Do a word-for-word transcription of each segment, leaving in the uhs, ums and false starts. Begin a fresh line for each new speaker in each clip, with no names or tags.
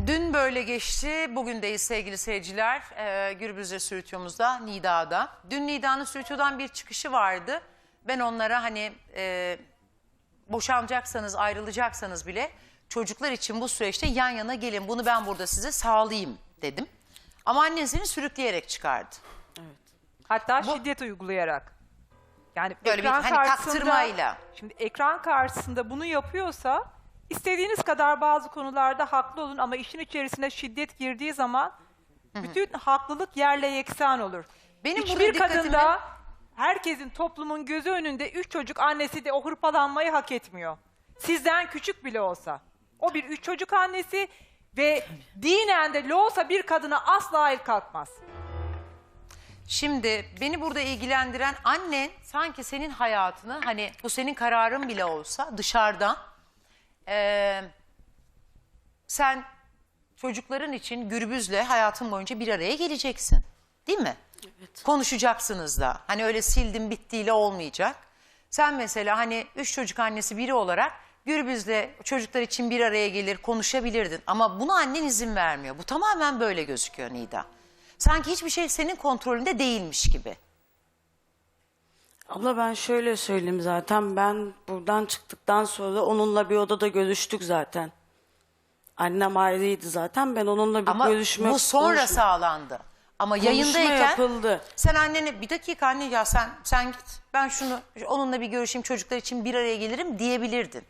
Dün böyle geçti. Bugündeyiz sevgili seyirciler. Ee, Gürbüz'le Sürütüyor'umuzda, Nida'da. Dün Nida'nın Sürütüyor'dan bir çıkışı vardı. Ben onlara hani e, boşanacaksanız, ayrılacaksanız bile çocuklar için bu süreçte yan yana gelin. Bunu ben burada size sağlayayım dedim. Ama annesini sürükleyerek çıkardı.
Evet. Hatta
Bu,
şiddet uygulayarak. Yani
böyle
ekran
bir hani
karşısında,
taktırmayla.
Şimdi ekran karşısında bunu yapıyorsa istediğiniz kadar bazı konularda haklı olun ama işin içerisine şiddet girdiği zaman hı hı. bütün haklılık yerle yeksan olur.
Benim
Hiçbir
dikkatimi...
kadında herkesin, toplumun gözü önünde üç çocuk annesi de o hırpalanmayı hak etmiyor. Sizden küçük bile olsa. O bir üç çocuk annesi ve dinen de olsa bir kadına asla el kalkmaz.
Şimdi beni burada ilgilendiren annen sanki senin hayatını, hani bu senin kararın bile olsa dışarıdan e, sen çocukların için Gürbüz'le hayatın boyunca bir araya geleceksin. Değil mi?
Evet.
Konuşacaksınız da. Hani öyle sildim bittiyle olmayacak. Sen mesela hani üç çocuk annesi biri olarak Gürbüz'le çocuklar için bir araya gelir, konuşabilirdin. Ama buna annen izin vermiyor. Bu tamamen böyle gözüküyor Nida. Sanki hiçbir şey senin kontrolünde değilmiş gibi.
Abla ben şöyle söyleyeyim, zaten ben buradan çıktıktan sonra onunla bir odada görüştük zaten. Annem ayrıydı zaten, ben onunla bir
Ama
görüşme...
bu sonra
konuşma,
sağlandı. Ama
konuşma
yayındayken
yapıldı.
sen annene bir dakika anne ya sen sen git. Ben şunu onunla bir görüşeyim, çocuklar için bir araya gelirim diyebilirdin.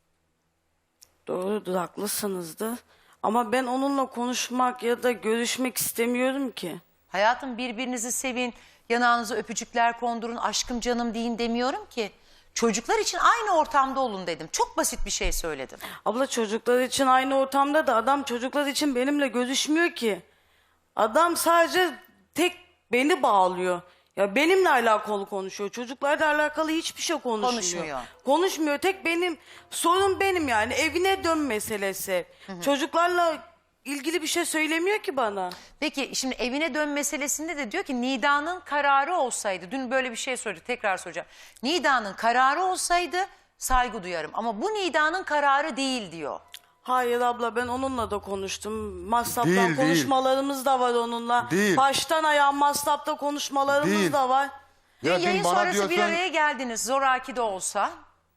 Doğrudur, haklısınızdı. Ama ben onunla konuşmak ya da görüşmek istemiyorum ki.
Hayatım, birbirinizi sevin, yanağınıza öpücükler kondurun, aşkım canım deyin demiyorum ki. Çocuklar için aynı ortamda olun dedim. Çok basit bir şey söyledim.
Abla çocuklar için aynı ortamda da adam çocuklar için benimle görüşmüyor ki. Adam sadece tek beni bağlıyor. Ya benimle alakalı konuşuyor. Çocuklarla alakalı hiçbir şey konuşmuyor.
Konuşmuyor.
Konuşmuyor. Tek benim sorun benim yani. Evine dön meselesi. Hı hı. Çocuklarla ilgili bir şey söylemiyor ki bana.
Peki şimdi evine dön meselesinde de diyor ki Nida'nın kararı olsaydı, dün böyle bir şey söyledi, tekrar soracağım. Nida'nın kararı olsaydı saygı duyarım ama bu Nida'nın kararı değil diyor.
Hayır abla, ben onunla da konuştum. Masraptan
Değil,
konuşmalarımız
değil.
da var onunla.
Değil.
Baştan ayağa masrapta konuşmalarımız
Değil.
da var.
Dün
Ya
yayın
dün bana
sonrası
diyorsun,
bir araya geldiniz zoraki de olsa.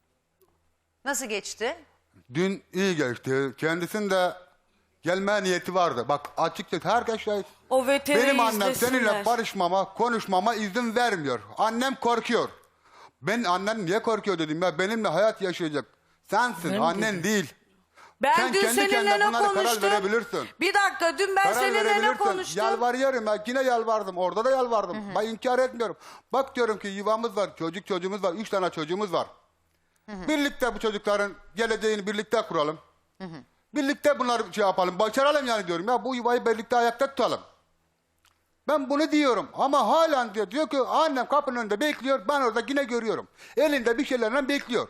Nasıl geçti?
dün iyi geçti. Kendisinin de gelme niyeti vardı. Bak açıkça herkes şahit.
O veterinaryı
Benim annem
izlesinler.
seninle barışmama, konuşmama izin vermiyor. Annem korkuyor. Ben annen niye korkuyor dedim ya, benimle hayat yaşayacak. Sensin, annen değil.
Ben
Sen
dün
kendi
seninle
kendine
ne
bunlara karar
konuştum?
verebilirsin.
Bir dakika, dün ben
Karar
seninle ne
verebilirsin.
konuştum?
Yalvarıyorum ya, yine yalvardım. Orada da yalvardım. Hı hı. Ben inkar etmiyorum. Bak diyorum ki yuvamız var, çocuk çocuğumuz var, üç tane çocuğumuz var. Hı hı. Birlikte bu çocukların geleceğini birlikte kuralım. Hı hı. Birlikte bunları şey yapalım, başaralım yani diyorum ya, bu yuvayı birlikte ayakta tutalım. Ben bunu diyorum ama halen diyor, diyor ki annem kapının önünde bekliyor, ben orada yine görüyorum. Elinde bir şeylerle bekliyor.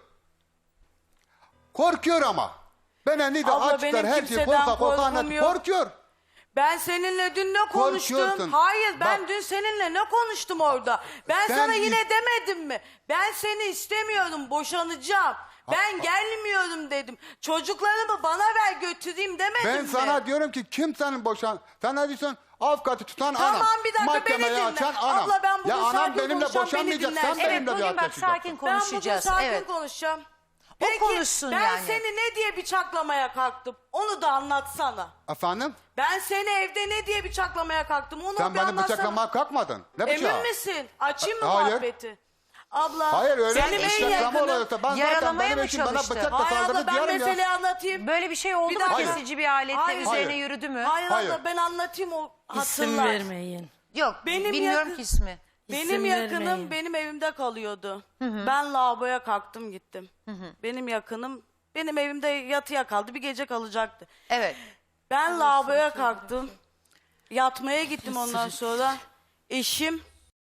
Korkuyor ama. Ben elinde
Abla,
açıklar
benim
her şeyi
kimseden
korka korka
korkum
anlat.
yok.
Korkuyor.
Ben seninle dün ne konuştum?
Korkuyorsun.
Hayır, ben
Bak.
dün seninle ne konuştum orada? Ben
Sen
sana
is-
yine demedim mi? Ben seni istemiyorum, boşanacağım. Ben gelmiyorum dedim. Çocuklarımı bana ver götüreyim demedim
Ben
mi?
sana diyorum ki kim senin boşan... Sen ne diyorsun? Avukatı tutan
Tamam,
anam.
bir dakika,
Mahkemeyi
beni dinle.
açan anam.
Abla, ben bugün
ya anam
sakin
benimle
konuşacağım,
boşanmayacak.
beni
Sen
dinlersin.
Evet,
benimle bir
bugün
hayat
bak
yaşayacaksın.
sakin
Ben bugün
konuşacağız.
sakin
Evet.
konuşacağım.
O
Peki,
konuşsun
ben
yani.
seni ne diye bıçaklamaya kalktım? Onu da anlatsana.
Efendim?
Ben seni evde ne diye bıçaklamaya kalktım? Onu
Sen
bir
beni
anlatsana.
bıçaklamaya kalkmadın. Ne bıçağı?
Emin misin? Açayım mı
Hayır.
muhabbeti? Abla.
Hayır öyle
Benim en
bıçaklama
yakınım.
oluyorsa ben zaten
Yaralamaya
benim
mı
eşim bana
çalıştı?
bıçakla
Hayır abla,
saldırdı
ben
diyorum ya.
meseleyi anlatayım.
Böyle bir şey oldu
Bir
mu?
dakika.
Kesici bir aletle
Hayır.
üzerine
Hayır.
yürüdü mü?
Hayır,
Hayır.
abla, ben anlatayım o
İsim
hatırlar.
vermeyin.
Yok,
Benim
bilmiyorum
yakın-
ki ismi.
Benim
İsim
yakınım
vermeyin.
benim evimde kalıyordu. Ben lavaboya kalktım gittim. Benim yakınım benim evimde yatıya kaldı. Bir gece kalacaktı.
Evet.
Ben lavaboya kalktım. Yatmaya gittim ondan sonra. Eşim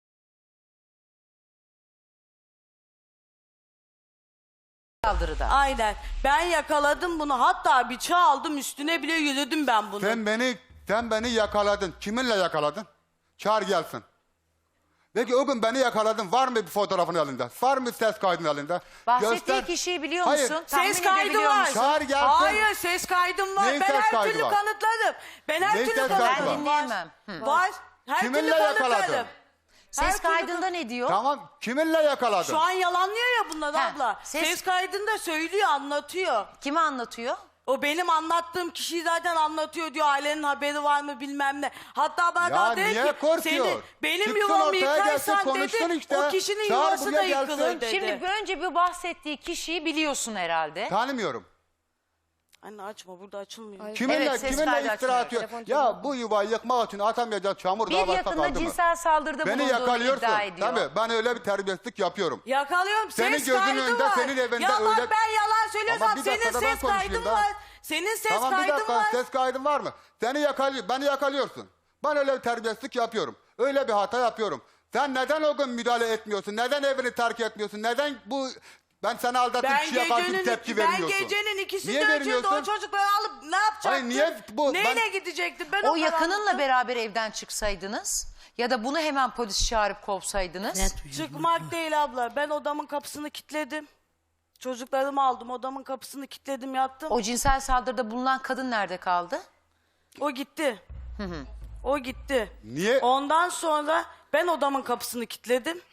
Saldırıda.
aynen. Ben yakaladım bunu. Hatta bıçağı aldım, üstüne bile yürüdüm ben bunu.
Sen beni, sen beni yakaladın. Kiminle yakaladın? Çağır gelsin. Peki o gün beni yakaladın. Var mı bir fotoğrafın elinde? Var mı ses kaydın elinde?
Bahsettiği
Göster.
kişiyi biliyor
Hayır.
musun? Tahmin
Ses kaydı
edebiliyor
var.
musun?
Çağır gelsin.
Hayır ses kaydım var.
Neyin
ben
ses
her
kaydı
türlü
var?
kanıtladım. Ben her
Neyin
türlü
ses kaydı
kanıtladım.
var? Ben dinleyemem. Hı.
Var. Her
Kiminle
türlü
yakaladın?
kanıtladım. Her
Ses
türlü
kaydında ne diyor?
Tamam. Kiminle yakaladın?
Şu an yalanlıyor ya bunlar
Ha,
abla.
ses-
Ses... kaydında söylüyor, anlatıyor.
Kime anlatıyor?
O benim anlattığım kişiyi zaten anlatıyor diyor. Ailenin haberi var mı bilmem ne. Hatta bana
Ya
daha dedi
niye
ki
korkuyor?
senin, benim
Çıksın
yuvamı
ortaya gelsin,
yıkarsan
konuşsun
dedi
işte.
o kişinin
Çağır
yuvası
buraya
da
gelsin.
yıkılır dedi.
Şimdi önce bir bahsettiği kişiyi biliyorsun herhalde.
Tanımıyorum.
Anne açma burada açılmıyor.
Kiminle,
Evet, ses
kiminle
kaydı
iftira
açmıyor.
atıyor? Ya bu yuvayı yıkmak için atamayacak çamur
Bir
daha başka
yakında
kaldı mı?
cinsel saldırıda
Beni
bulunduğunu
yakalıyorsun.
iddia ediyor.
Tabii ben öyle bir terbiyesizlik yapıyorum.
Yakalıyorum
Senin
ses
gözünün
kaydı
önünde,
var.
senin evinde
ya bak
öyle-
ben yalan
Ama
söylüyorsam
bir
senin
dakika da ben
ses
konuşayım
kaydın
da.
var. Senin ses
Tamam bir
kaydın
dakika
var.
ses kaydın var mı? Seni yakalıyor, beni yakalıyorsun. Ben öyle bir terbiyesizlik yapıyorum. Öyle bir hata yapıyorum. Sen neden o gün müdahale etmiyorsun? Neden evini terk etmiyorsun? Neden bu ben seni aldatan
Ben
kişiye karşı
gecenin,
tepki
ben
vermiyorsun?
gecenin ikisinde
Niye
önce de o
vermiyorsun?
çocukları alıp ne yapacaktım?
Hayır, niye bu-
Neyle
ben-
gidecektim? Ben
O
o
yakınınla
karanlıkta-
beraber evden çıksaydınız ya da bunu hemen polis çağırıp kovsaydınız.
Çıkmak değil abla. Ben odamın kapısını kilitledim. Çocuklarımı aldım. Odamın kapısını kilitledim yattım. O,
O cinsel saldırıda bulunan kadın nerede kaldı?
gitti. O gitti.
Niye?
Ondan sonra ben odamın kapısını kilitledim.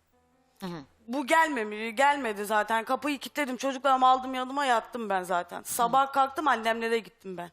Bu gelmedi, gelmedi zaten. Kapıyı kilitledim. Çocuklarımı aldım yanıma yattım ben zaten. Sabah kalktım annemlere gittim ben.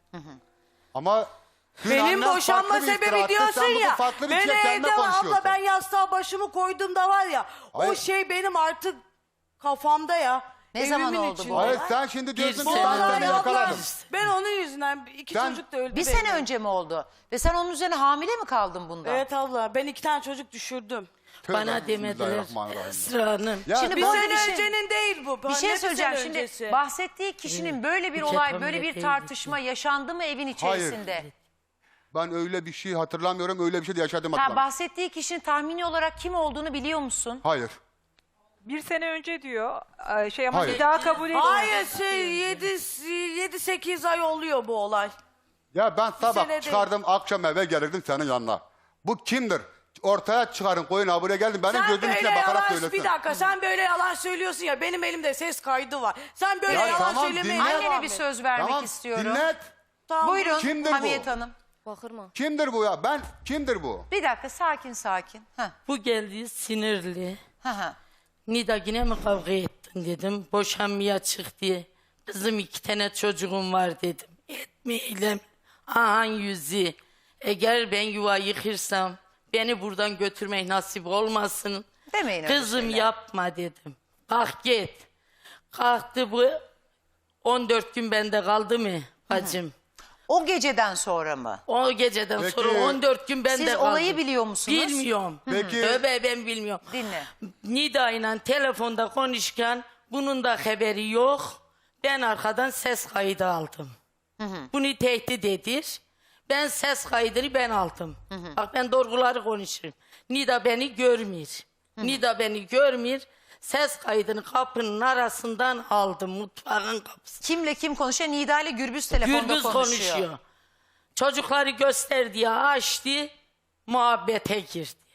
Ama dün
Benim
annen
boşanma
farklı bir iftira
sebebi
attı,
diyorsun
sen bugün
ya.
farklı bir
Ben
şey kendine
evde var abla
konuşuyorsun.
ben yastığa başımı koyduğumda var ya. O
Hayır.
şey benim artık kafamda ya.
Ne zaman
Evimin
oldu bu
içinde.
olay?
Hayır sen şimdi diyorsun ki
Bu
ben
olay
seni
abla,
yakaladım.
ben onun yüzünden iki
Sen-
çocuk da öldü.
Bir
benim.
sene önce mi oldu? Ve sen onun üzerine hamile mi kaldın bundan?
Evet abla ben iki tane çocuk düşürdüm.
Tövbe,
Bana demediler
bismillahirrahmanirrahim.
Esra Hanım.
Ya
Şimdi
Bir
bu
sene
bir şey-
öncenin değil bu.
Bir şey
Ne
söyleyeceğim
sene
şimdi
öncesi?
bahsettiği kişinin böyle bir
Hiç
olay,
yapamıyor
böyle bir
değildi.
tartışma yaşandı mı evin içerisinde?
Ben öyle bir şey hatırlamıyorum, öyle bir şey de yaşadım
Ha,
hatırlamıyorum.
bahsettiği kişinin tahmini olarak kim olduğunu biliyor musun?
Hayır.
Bir sene önce diyor. Ee, Şey ama
Hayır.
bir daha kabul etmiyor.
Hayır şey yedi sekiz ay oluyor bu olay.
Ya ben
sene
sabah
değil.
çıkardım, akşam eve gelirdim senin yanına. Bu kimdir? Ortaya çıkarın, koyun ha buraya geldim. Benim
Sen
gözüm
böyle
içine bakarak
yalan,
söylesin.
bir dakika sen böyle yalan söylüyorsun ya benim elimde ses kaydı var. Sen böyle
Ya
yalan
tamam,
söylemeye
dinle.
devam
Annene bir
et.
söz vermek
Tamam,
istiyorum.
dinlet.
Tamam.
Buyurun
Kimdir bu?
Hamiyet Hanım.
Kimdir bu ya? Ben, kimdir bu?
Bir dakika sakin sakin. Ha,
Bu geldi sinirli.
ha, ha.
Nida yine mi kavga ettin dedim. Boşanmaya çık diye. Kızım iki tane çocuğum var dedim. Etmeyelim. Ahan yüzü. Eğer ben yuva yıkırsam beni buradan götürmek nasip olmasın.
Demeyin öyle
Kızım
şeyler.
yapma dedim. Kalk git. Kalktı bu. on dört gün bende kaldı mı bacım?
O geceden sonra mı?
O geceden
Peki,
sonra on dört gün bende
Siz
kaldı.
olayı biliyor musunuz?
Bilmiyorum.
Peki.
Tövbe ben bilmiyorum.
Dinle.
Nida ile telefonda konuşurken bunun da haberi yok. Ben arkadan ses kaydı aldım. Bunu tehdit edir. Ben ses kaydını ben aldım. Bak ben doğruları konuşurum. Nida beni görmüyor. Nida beni görmüyor. Ses kaydını kapının arasından aldım. Mutfağın kapısı.
Kimle kim konuşuyor? Nida ile Gürbüz telefonda
Gürbüz
konuşuyor.
konuşuyor. Çocukları göster diye açtı. Muhabbete girdi.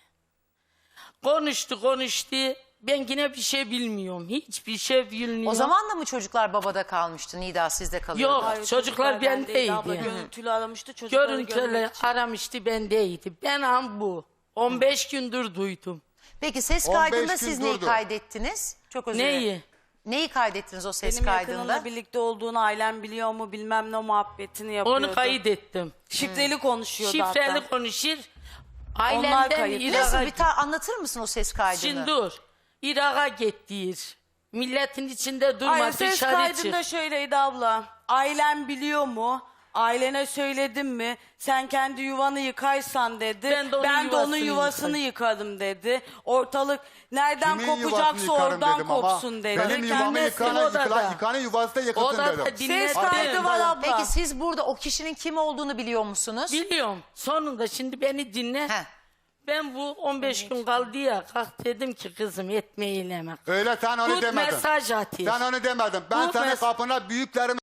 Konuştu konuştu. Ben yine bir şey bilmiyorum. Hiçbir şey bilmiyorum.
O zaman da mı çocuklar babada kalmıştı? Nida sizde kalıyordu.
Yok.
Hayır,
Çocuklar bendeydi.
Abla görüntülü aramıştı çocukları
Görüntüler
görmek için.
aramıştı bendeydi. Ben am bu. on beş gündür duydum.
Peki ses
on beş
kaydında
gün
siz neyi
durdu.
kaydettiniz? Çok özür dilerim.
Neyi?
Neyi kaydettiniz o ses
Benim
kaydında?
yakınımla birlikte olduğunu ailem biliyor mu bilmem ne muhabbetini yapıyordu.
Onu kaydettim.
Şifreli konuşuyordu
Şifreli
hatta.
konuşur.
Onlar
Ailemden
kayıp.
Nasıl
İrak'a
bir ta- anlatır mısın o ses kaydını?
Şimdi dur. Irak'a gittir. Milletin içinde durma
Hayır ses
dışarı
kaydında
çık.
şöyleydi abla. Ailem biliyor mu? Ailene söyledim mi? Sen kendi yuvanı yıkarsan dedi.
Ben de onun
ben de onun
yuvasını
yuvasını yıkarım dedi. Ortalık nereden
Kimin yuvasını
kopacaksa
yıkarım
oradan
dedim ama
kopsun dedi.
Benim yuvamı
Kendisi
yıkana,
odada.
yıkana, yıkanın yuvası da yıkılsın
Odada
dedim.
dinledim.
Ses kaydı var abla.
Peki siz burada o kişinin kim olduğunu biliyor musunuz?
Biliyorum. Sonunda şimdi beni dinle.
Heh.
Ben bu on beş gün kaldı ya. Kalk dedim ki kızım etme eyleme.
Öyle sen onu
Tut
demedin.
mesaj atayım.
Sen onu demedin. Ben
Tut
senin
mes-
kapına büyüklerimi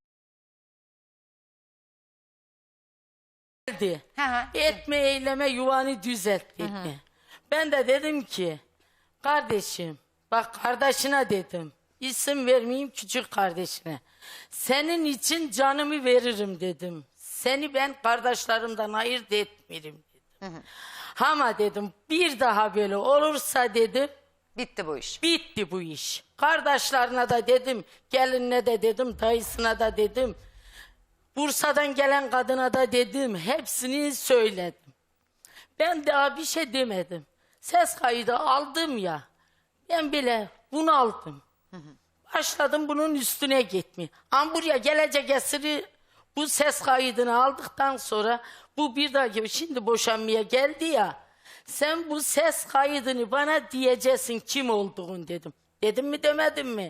Geldi.
Hı hı.
Etme eyleme yuvanı düzelt dedi. Ben de dedim ki kardeşim bak kardeşine dedim. İsim vermeyeyim küçük kardeşine. Senin için canımı veririm dedim. Seni ben kardeşlerimden ayırt etmiyorum dedim. Ama dedim bir daha böyle olursa dedim
Bitti bu iş.
bitti bu iş. Kardeşlerine de dedim, gelinine de dedim, dayısına da dedim. Bursa'dan gelen kadına da dedim, hepsini söyledim. Ben daha bir şey demedim. Ses kaydı aldım ya, ben bile bunu aldım. Başladım bunun üstüne gitmeye. Ama buraya gelecek esiri bu ses kaydını aldıktan sonra bu bir daha gibi şimdi boşanmaya geldi ya. Sen bu ses kaydını bana diyeceksin kim olduğunu dedim. Dedim mi demedim mi?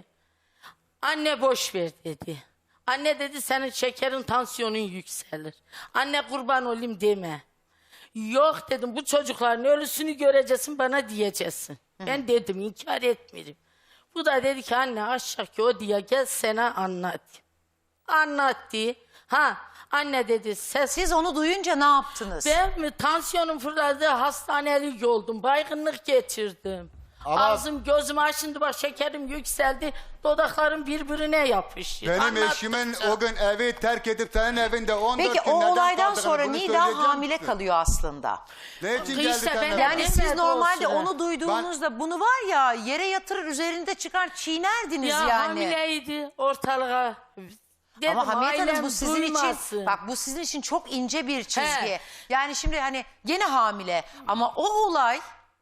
Anne boş ver dedi. Anne dedi senin şekerin tansiyonun yükselir. Anne kurban olayım deme. Yok dedim bu çocukların ölüsünü göreceksin bana diyeceksin. Ben dedim inkar etmiyorum. Bu da dedi ki anne aşağıki o diye gel sana anlat. Anlattı. Ha anne dedi ses.
Siz onu duyunca ne yaptınız?
Ben mi tansiyonum fırladı hastanelik oldum. Baygınlık geçirdim.
Ama-
Ağzım gözüm açındı bak şekerim yükseldi. Dudaklarım birbirine yapıştı.
Benim
Anlattıkça-
eşimin o gün evi terk edip senin evinde on dört
Peki
gün
o
neden
olaydan
kaldığını
sonra
bunu
Nida
söyleyecek
hamile
misin?
kalıyor aslında.
Ne için
İşte
geldi
ben-
senden?
Yani siz
Demedi
normalde
olsun.
onu duyduğunuzda bunu var ya yere yatırır üzerinde çıkar çiğnerdiniz
Ya
yani.
hamileydi ortalığa. Dedim,
Ama Hamiyet Hanım
ailem
bu sizin
duymasın.
için bak bu sizin için çok ince bir çizgi.
He.
Yani şimdi hani gene hamile ama o olay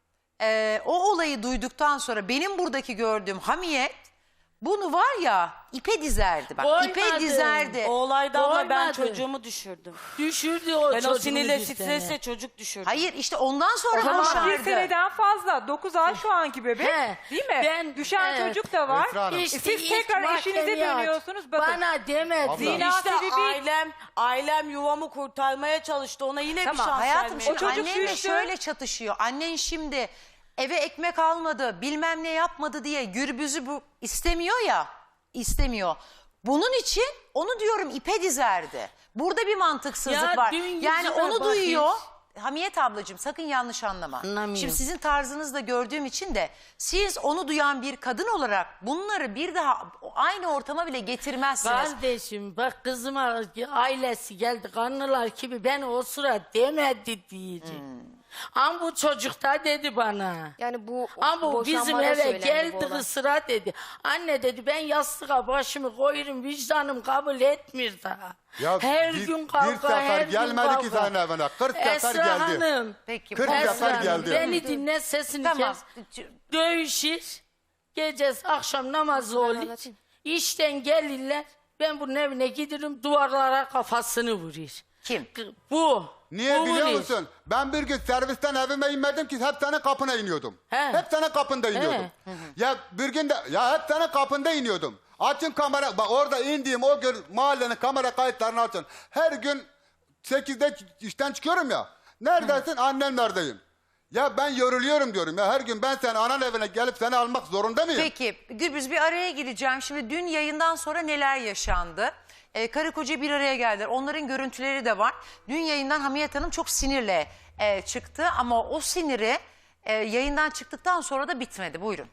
e, o olayı duyduktan sonra benim buradaki gördüğüm Hamiyet bunu var ya ipe dizerdi bak ipe
Koymadım.
dizerdi.
O olayda abla ben
Doymadı.
çocuğumu düşürdüm.
Düşürdü o
Ben o
çocuğu
sinirle
bizden.
stresle çocuk düşürdüm.
Hayır işte ondan sonra
O zaman
boşardı.
bir seneden fazla. dokuz ay şu anki bebek.
He.
Değil mi?
Ben-
Düşen
evet.
çocuk da var.
Esra Hanım.
E
İşte
siz
ilk
tekrar eşinize
mahkemeye aç.
dönüyorsunuz. Bakın.
Bana demedi.
Zina
İşte
sebebi-
ailem, ailem yuvamı kurtarmaya çalıştı. Ona yine
Tamam
bir şans
hayatım
vermeye
şimdi
O çocuk
annenle
düştü.
şöyle çatışıyor. Annen şimdi eve ekmek almadı bilmem ne yapmadı diye Gürbüz'ü bu istemiyor ya istemiyor. Bunun için onu diyorum ipe dizerdi. Burada bir mantıksızlık
Ya
var.
dün
Yani
yüzüme
onu
bak
duyuyor.
hiç.
Hamiyet ablacığım sakın yanlış anlama.
Anlamıyorum.
Şimdi sizin tarzınızda gördüğüm için de siz onu duyan bir kadın olarak bunları bir daha aynı ortama bile getirmezsiniz.
Kardeşim bak kızıma ailesi geldi kanlılar gibi ben o sıra demedi diyeceğim.
Hmm.
Ama bu çocuk da dedi bana.
Yani bu
Ama bu bizim
boşanmada
eve
söylendi bu
geldi
olay.
sıra dedi. Anne dedi ben yastığa başımı koyarım vicdanım kabul etmiyor daha.
Ya
her
bir-
gün
bir
kavga
sefer
her gün
gelmedi
kavga.
ki senin evine, kırk sefer
Esra
geldi.
Hanım.
Peki.
Kırk
bu-
sefer
Esra Hanım,
geldi.
beni dinle sesini
Tamam.
kes. Dövüşür. Gecesi akşam namazı olur.
anlatayım.
İşten gelirler. Ben bunun evine giderim duvarlara kafasını vurur.
Kim?
Bu.
Niye
bu
biliyor
vurur.
musun? Ben bir gün servisten evime inmedim ki hep senin kapına iniyordum.
He.
Hep senin kapında iniyordum. Ya bir gün de ya hep senin kapında iniyordum. Açın kamera bak orada indiğim o gün mahallenin kamera kayıtlarını açın. Her gün sekizde işten çıkıyorum ya. Neredesin? Annem neredeyim? Ya ben yoruluyorum diyorum ya her gün ben senin anan evine gelip seni almak zorunda mıyım?
Peki Gürbüz bir araya gireceğim. Şimdi dün yayından sonra neler yaşandı? Ee, karı koca bir araya geldiler. Onların görüntüleri de var. Dün yayından Hamiyet Hanım çok sinirle e, çıktı ama o siniri e, yayından çıktıktan sonra da bitmedi. Buyurun.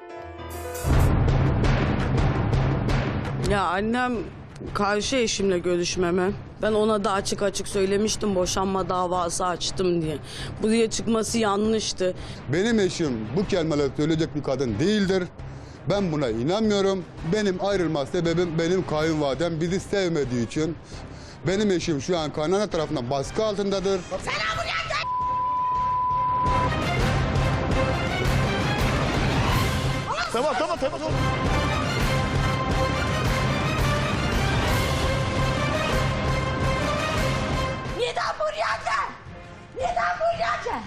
Ya annem karşı eşimle görüşmeme. Ben ona da açık açık söylemiştim boşanma davası açtım diye. Bu diye çıkması yanlıştı.
Benim eşim bu kelimeleri söyleyecek bir kadın değildir. Ben buna inanmıyorum. Benim ayrılma sebebim benim kayınvalidem bizi sevmediği için. Benim eşim şu an kaynana tarafından baskı altındadır.
Tamam tamam tamam. tamam.
Neden buraya gel? Neden buraya gel?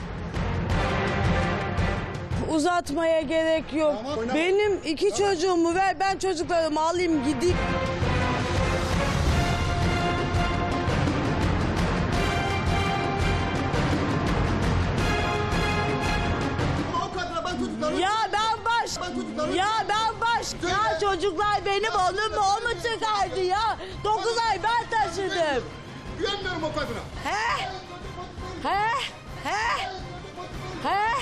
Uzatmaya gerek yok. Benim iki çocuğumu ver, ben çocuklarımı alayım gideyim. Ya ben baş, ya ben baş, ya çocuklar benim oğlum mu o mu çıkardı ya? Dokuz ay ben taşıdım.
Güvenmiyorum o kadına.
He? He? He?
He?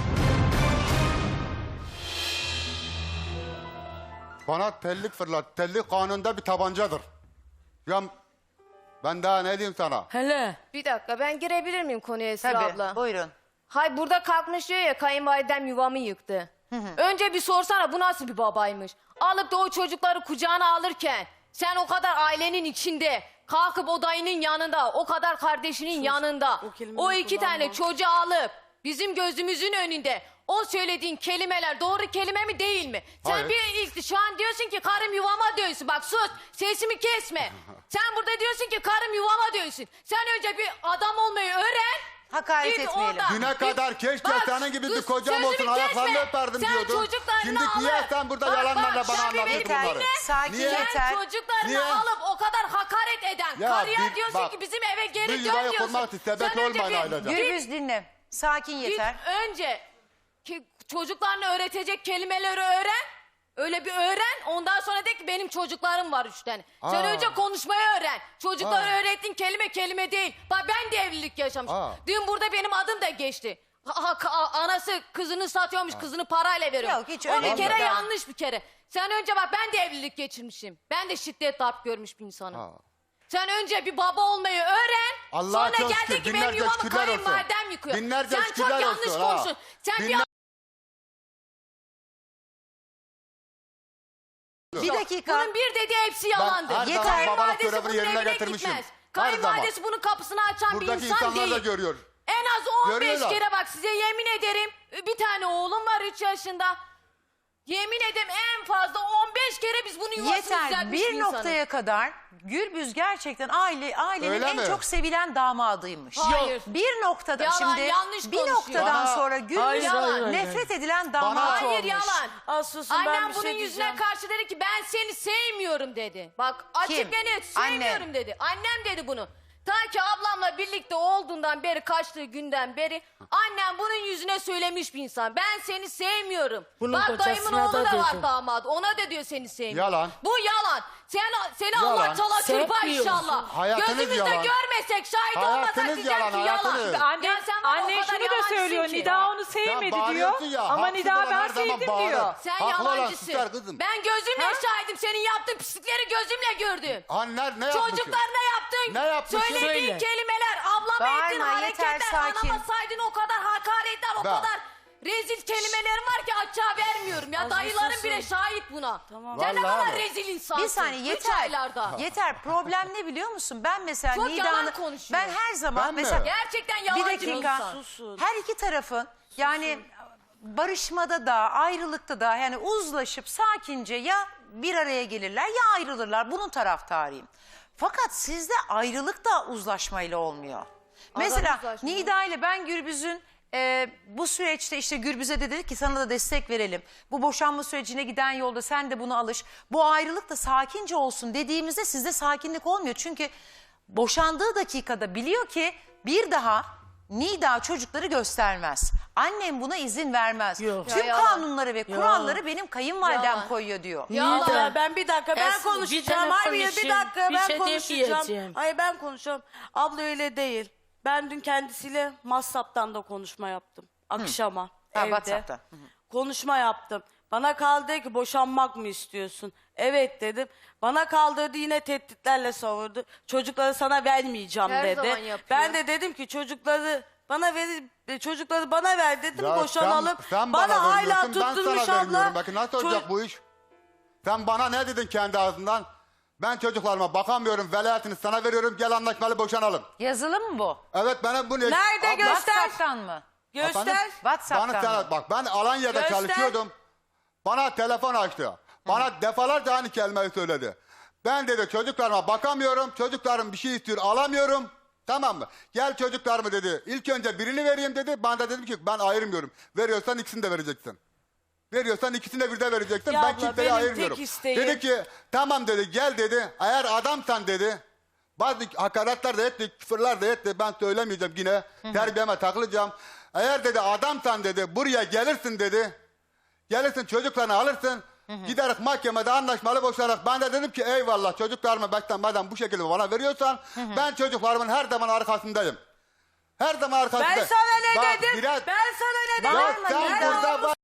Bana tellik fırlat. Tellik kanunda bir tabancadır. Ya ben daha ne diyeyim sana?
Hele.
Bir dakika ben girebilir miyim konuya Esra
Tabii
abla?
buyurun.
Hay burada kalkmış diyor ya kayınvalidem yuvamı yıktı. Önce bir sorsana bu nasıl bir babaymış? Alıp da o çocukları kucağına alırken sen o kadar ailenin içinde kalkıp o dayının yanında o kadar kardeşinin yanında
o kelimeyi
o iki
kullanma.
tane çocuğu alıp bizim gözümüzün önünde o söylediğin kelimeler doğru kelime mi değil mi? Sen
Hayır.
bir ilk şu an diyorsun ki karım yuvama dönsün. Bak sus sesimi kesme. Sen burada diyorsun ki karım yuvama dönsün. Sen önce bir adam olmayı öğren.
Hakaret
Git
etmeyelim.
orada.
Düne
Git-
kadar keşke
Bak,
senin gibi bir
sus,
kocam
sözümü
olsun, ayaklarını
kesme.
öperdim
Sen
diyordun.
çocuklarını
Şimdi
alıp-
niye sen burada
Bak,
yalanlarla
bak,
bana
sen bir
anlatıyorsun
beni
bunları?
dinle.
Sakin
Niye?
yeter.
Sen çocuklarını
Niye?
alıp o kadar hakaret eden
Ya
karıya
bir-
diyorsun
bak,
ki bizim eve geri
bir
dön
yuvayı
diyorsun.
kurmak için sebep
Sen önce
olmayın
bir-
ailece.
git-
Gürbüz dinle. Sakin
Git
yeter.
önce ki çocuklarını öğretecek kelimeleri öğren. Öyle bir öğren. Ondan sonra de ki benim çocuklarım var üç tane. Sen
Aa.
önce konuşmayı öğren. Çocuklara
Aa.
öğrettiğin kelime kelime değil. Bak ben de evlilik yaşamışım.
Aa.
Dün burada benim adım da geçti. Ha, ha- ka- anası kızını satıyormuş, kızını parayla veriyor.
Yok, hiç
o
öyle
bir
değil.
kere
Daha-
yanlış bir kere. Sen önce bak ben de evlilik geçirmişim. Ben de şiddet darp görmüş bir insanım.
Ha.
Sen önce bir baba olmayı öğren.
Allah'a
sonra
çok
geldi
şükür,
ki benim
binlerce
yuvamı
şükürler olsun.
kayınvalidem yıkıyor.
Binlerce
Sen çok
şükürler
yanlış
olsun, ha.
konuşuyorsun. Sen bir
Binler-
Bir dakika.
Bunun bir dediği hepsi yalandır.
her
zaman
Kayınvalidesi
babalık görevini
bunun
yerine
evine
getirmişim.
gitmez.
Her
Kayınvalidesi bunun kapısını açan
Buradaki
bir insan
insanlar da
değil.
görüyor.
En az on beş
Görüyorlar.
kere bak size yemin ederim. Bir tane oğlum var üç yaşında. Yemin ederim en fazla on beş kere biz bunu yuvasını
Yeter.
düzeltmiş
Bir
insanız.
noktaya kadar Gürbüz gerçekten aile ailenin
Öyle
en
mi?
çok sevilen damadıymış.
Hayır.
Bir noktada
Yalan,
şimdi
yanlış
bir
konuşuyor.
noktadan
Bana-
sonra Gürbüz
Hayır, hayır, hayır.
nefret edilen damat
Bana-
Hayır
olmuş.
yalan.
Az susun, ben
Annem
bir
bunun
şey
yüzüne
diyeceğim.
karşı dedi ki ben seni sevmiyorum dedi. Bak açık
Kim?
ve net sevmiyorum
Annem.
dedi. Annem dedi bunu. Ta ki ablamla birlikte olduğundan beri kaçtığı günden beri annem bunun yüzüne söylemiş bir insan. Ben seni sevmiyorum.
Bunun
Bak dayımın
kocasına
oğlu
da
da var
dedi.
damadı. Ona da diyor seni sevmiyorum.
Yalan.
Bu yalan. Sen, seni
Yalan.
Allah çala çırpa
Sevmiyorsun.
inşallah.
Hayatınız
Gözümüzde
yalan.
görmesek şahit olmasak
Hayatınız
diyeceğim
yalan,
ki yalan.
hayatınız.
Anne,
Ya sen bana o
anne
kadar
şunu da
yalancısın
söylüyor.
ki.
Nida onu sevmedi diyor.
bağırıyorsun ya,
Ama
haksız
Nida
olan
ben
her zaman
sevdim
bağırır.
diyor.
Sen
Haklı olan
yalancısın.
susar kızım.
Ben gözümle
Ha?
şahidim. Senin yaptığın pislikleri gözümle gördüm.
Anneler ne yapmış?
Çocuklarına yaptın.
Ne yapmışsın?
Söylediğin
Söyle.
kelimeler, ablama
Bağırma,
ettiğin
yeter,
hareketler,
sakin.
anama saydığın o kadar hakaretler, o
Bak.
kadar rezil kelimelerim var ki açığa vermiyorum. Ya
Az bir
dayılarım
susun.
bile şahit buna.
Tamam.
Sen ne
Vallahi
kadar
mi?
rezil insansın.
Bir saniye
Üç
yeter.
aylarda.
Yeter. Problem ne biliyor musun? Ben mesela
Çok yalan
Nida'nın
konuşuyor.
ben her zaman
Ben mi?
mesela
Gerçekten
bir
yalancı bir
dakika.
insan.
Susun.
Her iki tarafın yani barışmada da ayrılıkta da yani uzlaşıp sakince ya bir araya gelirler ya ayrılırlar. Bunun taraftarıyım. Fakat sizde ayrılık da uzlaşmayla olmuyor. Mesela
uzlaşma.
Nida ile ben Gürbüz'ün e, bu süreçte işte Gürbüz'e de dedik ki sana da destek verelim. Bu boşanma sürecine giden yolda sen de buna alış. Bu ayrılık da sakince olsun dediğimizde sizde sakinlik olmuyor. Çünkü boşandığı dakikada biliyor ki bir daha Nida çocukları göstermez. Annem buna izin vermez.
Yok.
Tüm
Ya yalan.
kanunları ve kuralları benim kayınvalidem
Yalan.
koyuyor diyor.
Yalan.
Nida, ben bir dakika ben
Esin, bir
konuşacağım.
tane
Hayır bir
konuşayım.
dakika
Bir
ben
şey
konuşacağım.
demeyeceğim.
Hayır ben konuşacağım. Abla öyle değil. Ben dün kendisiyle WhatsApp'tan da konuşma yaptım. Akşama
Ha,
evde.
WhatsApp'tan. Hı hı.
Konuşma yaptım. Bana kaldırdı ki boşanmak mı istiyorsun? Evet dedim. Bana kaldırdı yine tehditlerle savurdu. Çocukları sana vermeyeceğim
Her
dedi.
zaman yapıyor.
Ben de dedim ki çocukları bana ver, çocukları bana ver dedim
Ya
boşanalım.
Sen, sen
bana,
bana,
hala
vermiyorsun, ben
tutturmuş
sana
abla.
vermiyorum. Bakın nasıl olacak
Ço-
bu iş? Sen bana ne dedin kendi ağzından? Ben çocuklarıma bakamıyorum, velayetini sana veriyorum, gel anlaşmalı boşanalım.
Yazılı mı bu?
Evet bana bu ne?
Nerede
Abla-
göster?
WhatsApp'tan mı?
Göster.
Efendim?
WhatsApp'tan
Bana
mı?
sana, bak ben Alanya'da
Göster.
çalışıyordum. Bana telefon açtı. Bana defalarca aynı kelimeyi söyledi. Ben dedi çocuklarıma bakamıyorum. Çocuklarım bir şey istiyor alamıyorum. Tamam mı? Gel çocuklarımı dedi. İlk önce birini vereyim dedi. Ben de dedim ki ben ayırmıyorum. Veriyorsan ikisini de vereceksin. Veriyorsan ikisini de bir de vereceksin.
Ya
ben
abla,
kimseye
benim
ayırmıyorum.
tek isteğim-
Dedi ki tamam dedi gel dedi. Eğer adamsan dedi. Bazı hakaretler de etti, küfürler de etti. Ben söylemeyeceğim yine. Terbiyeme takılacağım. Eğer dedi adamsan dedi buraya gelirsin dedi. Gelirsin çocuklarını alırsın. Giderek mahkemede anlaşmalı boşanarak. Ben de dedim ki eyvallah çocuklarımı bekten madem bu şekilde bana veriyorsan ben çocuklarımın her zaman arkasındayım. Her zaman arkasında.
Ben sana ne
Bak,
dedim?
biraz-
Ben sana ne dedim?
Ya sen burada var.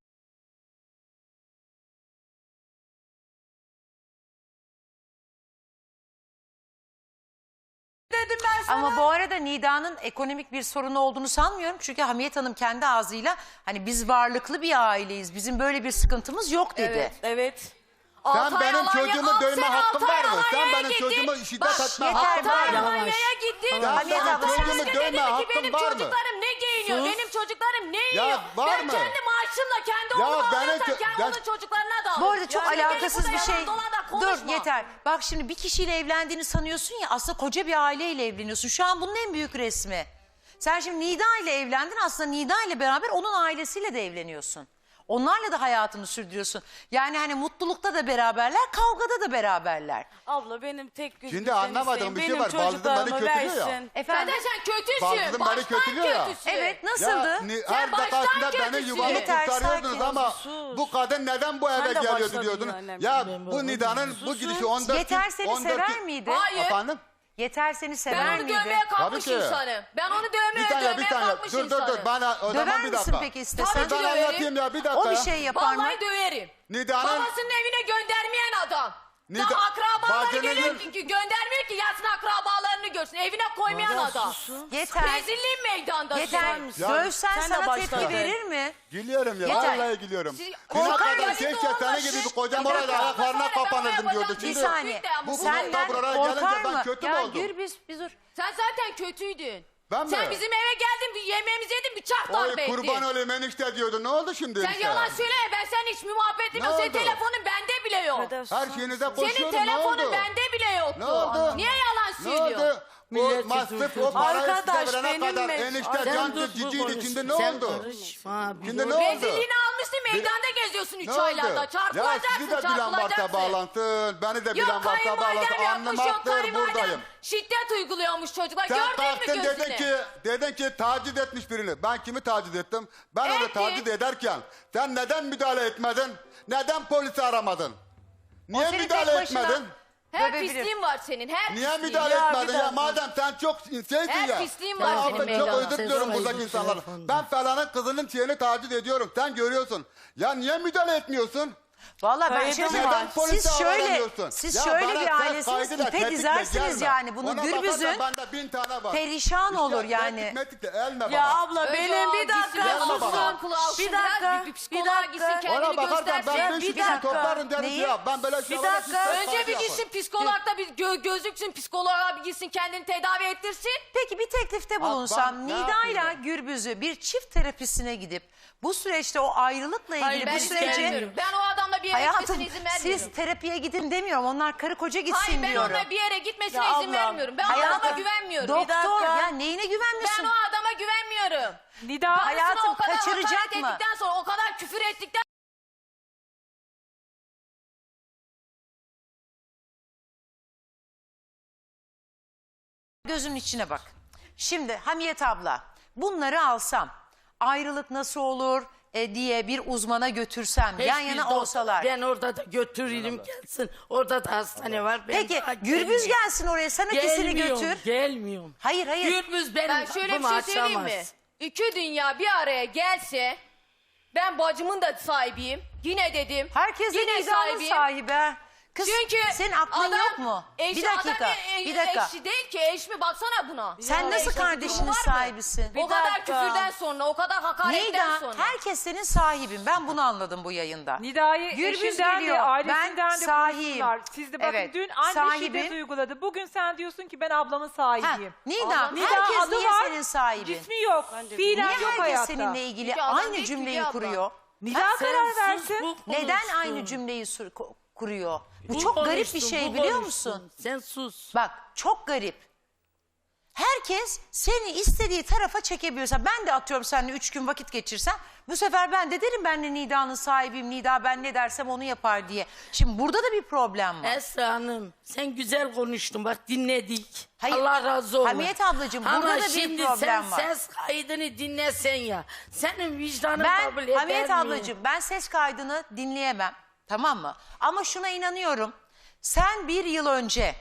Dedim ben sana.
Ama bu arada Nida'nın ekonomik bir sorunu olduğunu sanmıyorum. Çünkü Hamiyet Hanım kendi ağzıyla hani biz varlıklı bir aileyiz. Bizim böyle bir sıkıntımız yok dedi.
Evet. Evet.
Sen
Altı ay
benim
Alanya-
çocuğumu
Al
dövme
sen
hakkın
altı ay
var mı? Sen
Alanya'ya
benim
gittin.
çocuğumu şiddet
Bak,
etme
yeter
hakkın
be.
var mı?
Alanya'ya gittin.
Ya
Hamiyet
benim
abla,
çocuğumu
Sen de
dövme
dedin ki
hakkın
benim
var mı?
çocuklarım ne giyiniyor?
Sus.
Benim çocuklarım ne yiyor?
var
ben
mı?
kendi maaşımla kendi
Ya
oğluma
benim
alıyorsam
ço-
kendi
ya-
onun çocuklarına da alırım.
Bu arada çok
Yani
alakasız
gelip
bir
burada
şey.
yalan dolan da
Dur
konuşma.
yeter. Bak şimdi bir kişiyle evlendiğini sanıyorsun ya, aslında koca bir aileyle evleniyorsun. Şu an bunun en büyük resmi. Sen şimdi Nida ile evlendin, aslında Nida ile beraber onun ailesiyle de evleniyorsun. Onlarla da hayatını sürdürüyorsun. Yani hani mutlulukta da beraberler, kavgada da beraberler.
Abla benim tek gözüm
Şimdi anlamadığım bir şey var. Bazıları beni kötülüyor ya.
Efendim?
Zaten sen kötüsün.
Bazıları beni
Baştan
kötülüyor ya.
kötüsün.
Evet, nasıldı?
Ya, ni-
Sen
her
baştan
defasında beni
kötüsün.
yuvamı
Yeter,
kurtarıyordunuz
sakin.
ama
Sus.
bu kadın neden bu eve
de
geliyordu
başladın
diyordunuz.
ya, annem.
Ya
Ben
bu
babam.
Nida'nın bu gidişi on dört
Yeter seni
on dört
sever miydi?
Hayır.
Efendim?
Yeter seni
Ben
sever
onu
miydi?
dövmeye kalkmış
Tabii ki.
insanım. Ben onu dövmeye
Bir tane
dövmeye
bir tane.
kalkmış
Dur dur
insanım.
dur. Bana o
Döver
zaman bir
misin
dakika.
peki istesen?
Tabii ki
Ben
döverim.
anlatayım ya bir dakika.
O bir
ya.
şey yapar mı?
Vallahi döverim.
Nida'nın
Babasının evine göndermeyen adam.
Nida-
Daha akrabaları
bacının-
geliyor ki ki göndermiyor ki yatsın akrabalarını görsün. Evine koymayan adam.
Yeter.
Rezilliğin meydanda.
Yeter.
Ya-
Dövsen
Sen de
sana
başla.
tepki verir mi?
Gülüyorum ya.
Yeter.
Vallahi gülüyorum.
Siz-
Düne
Korkar
kadar
mısın?
keşke senin gibi bir kocam
Bir dakika.
orada ayaklarına
Sen de
kapanırdım
ben
diyordu.
hocam-
Bir
Şimdi
saniye.
Bu
Senden
buraya
korkar
gelince ben
mı?
kötü mü
Ya
oldum?
Gürbüz bir dur.
Sen zaten kötüydün.
Ben
Sen
mi?
bizim eve geldin, bir yemeğimizi yedin, bıçak
Oy
darbe ettin.
kurban olayım enişte diyordu. Ne oldu şimdi
Sen
enişte?
yalan söyleme, ben senin hiç muhabbet
Ne
etmiyorum. Senin
oldu?
telefonun bende bile yok.
Her şeyinize
Senin
koşuyordum. Ne
telefonun
oldu?
bende bile yoktu.
Ne oldu?
Niye yalan
Ne
söylüyorsun?
oldu? O
Millet
masraf
yüzü-
o parayı
Arkadaş,
size verene
benim
kadar
mi?
enişte
Sen
candır
dur, bu
ciciydi.
konuşsun.
Şimdi ne
Sen
oldu?
karışma, bir
Şimdi
dur.
ne oldu?
Rezilliğini almışsın, meydanda geziyorsun üç
Ne oldu?
aylarda.
Ya
Çarpılacaksın,
sizi de bilen varsa
çarpılacaksın.
bağlantın. Beni de bilen
Yok
varsa
kayınvalidem
bağlantın.
yapmış, yok
Anlamaktır
kayınvalidem
buradayım.
şiddet uyguluyormuş çocuklar.
Sen
Gördün mü
kalktın
gözüne?
dedin ki, dedin ki taciz etmiş birini. Ben kimi taciz ettim? Ben onu
Ettin.
taciz ederken sen neden müdahale etmedin? Neden polisi aramadın? Niye
seni
müdahale
tek başına-
etmedin?
Her
Dövebilir.
pisliğin var senin, her
Niye
pisliğin.
müdahale
Ya, bir
etmedin ya?
dakika.
Madem sen çok şeysin
Her
ya.
pisliğin
Ben
var
affet,
senin
çok
meydanda.
özür diliyorum
Ses
buradaki
kaydı
insanlara.
telefonda.
Ben falanın kızının şeyini taciz ediyorum. Sen görüyorsun. Ya niye müdahale etmiyorsun?
Vallahi ben
Kayıt
şey
var.
söyleyeyim.
Neden polise
Siz şöyle,
aranıyorsun?
siz
Ya
şöyle
bana
bir
ses
ailesiniz,
kaydıyla
ipe
tetikle
dizersiniz
gelme.
yani. Bunu
Ona
Gürbüz'ün
bakarsan bende bin tane var.
perişan
İşte
olur yani.
tetik metik de elme
Ya
bana.
abla
Önce
benim
o
bir
gitsin,
dakika
biraz
Gelme
susun.
bana.
akıl alsın,
Bir
biraz
dakika.
bir
Bir
psikoloğa gitsin,
dakika.
kendini
Ona bakarsan
göstersin.
ben
Ya,
bir
bir
kişi
dakika.
toplarım derim
Neyi?
ya. Ben böyle
Bir
şeylere
dakika.
siz
Önce bir
yapın.
gitsin psikologda bir gö gözüksün, psikoloğa bir gitsin, kendini tedavi ettirsin.
Peki bir teklifte
Bak,
bulunsam
ben ne
Nida
yapayım
ile
ben?
Gürbüz'ü bir çift terapisine gidip bu süreçte o ayrılıkla ilgili
Hayır, ben
bu
izin
süreci
vermiyorum. Ben o adamla bir yere
hayatım
gitmesine izin vermiyorum.
siz terapiye gidin demiyorum. Onlar karı koca gitsin
Hayır, ben
diyorum.
ona bir yere gitmesine
Ya
izin
ablam,
vermiyorum. Ben o
hayatım,
adama güvenmiyorum.
Doktor
dakika.
ya neyine güvenmiyorsun?
Ben o adama güvenmiyorum.
Nida
Karısına
hayatım,
o kadar
kaçıracak
hakaret
mı?
ettikten sonra, o kadar küfür ettikten
Gözünün içine bak. Şimdi Hamiyet abla bunları alsam ayrılık nasıl olur e, diye bir uzmana götürsem yan
Hiçbir
yana
doktor-
olsalar.
Ben orada da götürürüm gelsin. Orada da hastane var. Ben
Peki
daha
Gürbüz
gelmiyorum.
gelsin oraya sen ikisini
Gelmiyorum,
götür.
Gelmiyorum.
Hayır hayır.
Gürbüz benim
ben şöyle bir
kapımı
şey söyleyeyim mi?
açamaz.
İki dünya bir araya gelse, ben bacımın da sahibiyim. Yine dedim.
Herkes de
yine
Nida'nın sahibi. ha. Kız
Çünkü
senin aklın
adam,
yok mu?
Eş,
bir dakika.
Adam e-
bir dakika.
eşi değil ki, eş mi? Baksana buna.
Sen
Ya,
nasıl
eşin bir
kardeşinin
durumu var mı?
sahibisin?
O kadar
dakika.
küfürden sonra, o kadar hakaretten
Nida
sonra.
herkes senin sahibin. Ben bunu anladım bu yayında.
Nida'yı
Gürbüz
eşinden
geliyor.
de ailesinden
Ben
de
sahibim.
konuştular. Siz de bakın
Evet,
dün anne
sahibim.
şiddet uyguladı. Bugün sen diyorsun ki ben ablamın
Ha,
sahibiyim.
Nida,
Nida
herkes
adı
niye
var,
senin sahibin?
cismi yok. Fiilen
Niye
yok
herkes
hayatta.
seninle ilgili
Çünkü adam
aynı
değil ki
cümleyi
Hülya abla.
kuruyor?
Nida
Sen
karar
sus,
versin.
bu
Neden
konuşsun.
aynı cümleyi sur- ko- kuruyor? Bu,
Bu
çok garip bir
konuşsun,
şey
bu
biliyor
konuşsun.
musun?
Sen sus.
Bak çok garip. Herkes seni istediği tarafa çekebiliyorsa ben de atıyorum seninle üç gün vakit geçirsem bu sefer ben de derim ben de Nida'nın sahibiyim. Nida ben ne dersem onu yapar diye. Şimdi burada da bir problem var.
Esra Hanım sen güzel konuştun bak dinledik.
Hayır,
Allah razı olsun.
Hamiyet ablacığım,
Ama
burada da bir
şimdi
problem
sen
var.
ses kaydını dinlesen ya. Senin vicdanın
Ben
kabul eder
Hamiyet
mi?
ablacığım ben ses kaydını dinleyemem, tamam mı? Ama şuna inanıyorum. Sen bir yıl önce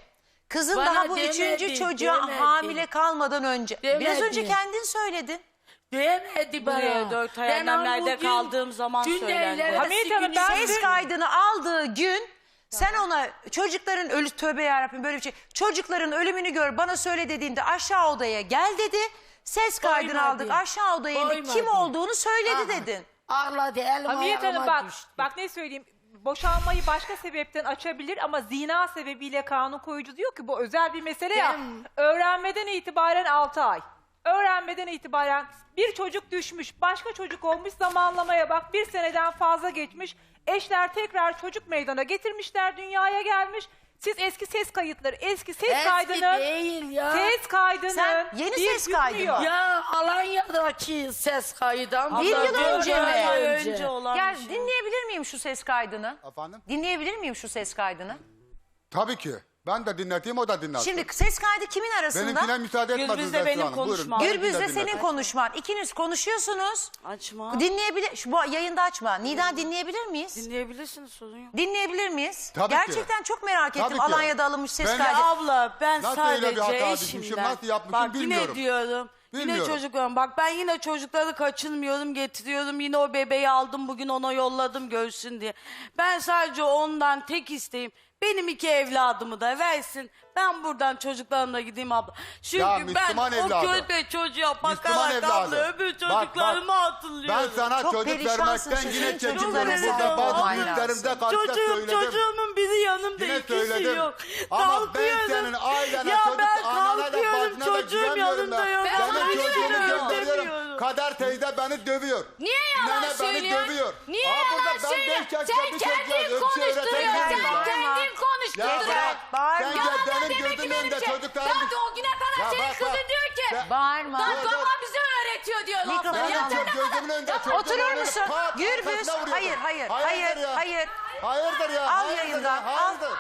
Kızın
Bana
daha bu
demedi,
üçüncü çocuğa
demedi.
hamile kalmadan önce. Biraz
Demedi.
önce kendin söyledin.
Demedi bana.
Buraya dört ay
Ben
annemlerde
bugün
kaldığım zaman
dün
söylendi.
evlenmesi
Hamiyet Hanım,
günü-
ben-
Ses kaydını aldığı gün sen ona çocukların ölü tövbe yarabbim böyle bir şey. Çocukların ölümünü gör bana söyle dediğinde aşağı odaya gel dedi. Ses kaydını
Koymadı.
aldık aşağı odaya indi.
Koymadı.
Kim olduğunu söyledi
Aha.
dedin.
Ağladı elim
Hamiyet Hanım
ayağıma
bak,
düştü.
bak ne söyleyeyim. Boşanmayı başka sebepten açabilir ama zina sebebiyle kanun koyucu diyor ki bu özel bir mesele ya.
Ben-
Öğrenmeden itibaren altı ay. Öğrenmeden itibaren bir çocuk düşmüş, başka çocuk olmuş, zamanlamaya bak bir seneden fazla geçmiş. Eşler tekrar çocuk meydana getirmişler, dünyaya gelmiş. Siz eski ses kayıtları, eski ses
Eski
kaydının,
değil ya.
ses kaydının
Sen yeni
bir
ses kaydı
yüklüyor.
mı?
Ya Alanya'daki ses kaydı. ama
Bir yıl
dört
önce mi?
ay
önce olan
Gel
bir şey.
dinleyebilir miyim şu ses kaydını?
Efendim?
Dinleyebilir miyim şu ses kaydını?
Tabii ki. Ben de dinleteyim, o da dinlesin.
Şimdi ses kaydı kimin arasında?
Benimkine müsaade
Gürbüz'le
etmediniz Esra
benim
Hanım. Buyurun.
konuşmam.
benimkini de
Gürbüz'le
dinletin.
senin konuşman. İkiniz konuşuyorsunuz.
Açma.
Dinleyebilir. Şu bu yayında açma. Nida dinleyebilir miyiz?
Dinleyebilirsiniz, sorun yok.
Dinleyebilir miyiz?
Tabii ki.
Gerçekten çok merak ettim.
Tabii ki.
Alanya'da alınmış ses
Ben-
kaydı.
Ya abla ben
Nasıl öyle bir
sadece
hata düşmüşüm,
eşimden.
nasıl yapmışım
Bak
bilmiyorum.
yine diyorum. Yine
Bilmiyorum.
çocuklarım. Bak ben yine çocukları kaçınmıyorum, getiriyorum. Yine o bebeği aldım bugün ona yolladım görsün diye. Ben sadece ondan tek isteğim benim iki evladımı da versin. Ben buradan çocuklarımla gideyim abla. Çünkü
Ya
ben
Müslüman
o
evladı.
kötü çocuğa
Müslüman
bakarak
evladı.
abla öbür
Bak, bak,
çocuklarımı hatırlıyorum.
Ben sana
Çok
çocuk
perişansın,
vermekten
sizin
yine
çocuklarınız
çekiniyorum. Burada
olmayan
bazı
lazım.
büyüklerimde karşıda
Çocuğum,
söyledim.
çocuğumun biri yanımda,
Yine
ikisi
söyledim.
yok.
Ama ben
Kalkıyorum.
senin ailene,
Ya
çocuk,
ben
anana da
kalkıyorum,
bacına da
çocuğum
güvenmiyorum
yanımda
ben.
yok.
Ben
Benim
sana
çocuğumu
güveniyorum.
gönderiyorum.
Demiyorum.
Kader teyze beni dövüyor.
Niye yalan
Nene beni
söylüyorsun?
dövüyor.
Niye
Aa, burada
yalan
ben
söylüyorsun?
beş yaşında
Sen
bir çocuğa
kendin
ölçü
konuşturuyorsun.
öğretemiyorum
Sen
ya.
kendin
Ya
konuşturuyorsun.
bırak.
Bağırma.
Sen
Yalan
gel
da
benim
demek ki
gözümün
benim
önünde
şey.
çocuklarım.
Daha o güne kadar
Ya
senin
bak,
kızın
bak.
diyor ki.
Ya-
Bağırma.
Daha
Dur, dur.
baba bize öğretiyor diyor
Mikrofonu
lafı.
Benim
Ya
al.
sen ne
gözümün
kadar...
önünde
Ya
çocuğum
Oturur
öyle
musun?
pat,
Gürbüz.
kafasına vuruyordu.
Hayır, hayır, hayır,
Hayırdır ya?
hayır.
Hayırdır ya?
Al
hayırdır
yayından,
ya,
al.
hayırdır.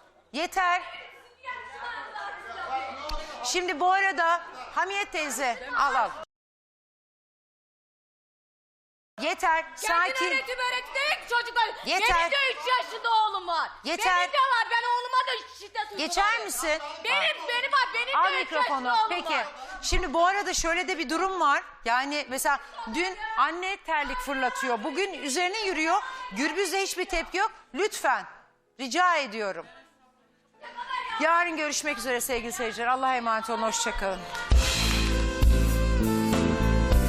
Yeter. Şimdi bu arada Hamiyet teyze al al. Yeter,
Kendin
sakin.
öğretip öğretip çocuklar.
Yeter.
Benim de üç yaşında oğlum var.
Yeter.
Benim de var. Ben oğluma da şiddet uyguluyorum.
Geçer misin?
Benim, benim var. Benim
Al
de üç
mikrofonu.
yaşında oğlum
Peki.
var.
Şimdi bu arada şöyle de bir durum var. Yani mesela dün anne terlik fırlatıyor. Bugün üzerine yürüyor. Gürbüz'de hiçbir tepki yok. Lütfen. Rica ediyorum. Yarın görüşmek üzere sevgili seyirciler. Allah'a emanet olun. Hoşçakalın.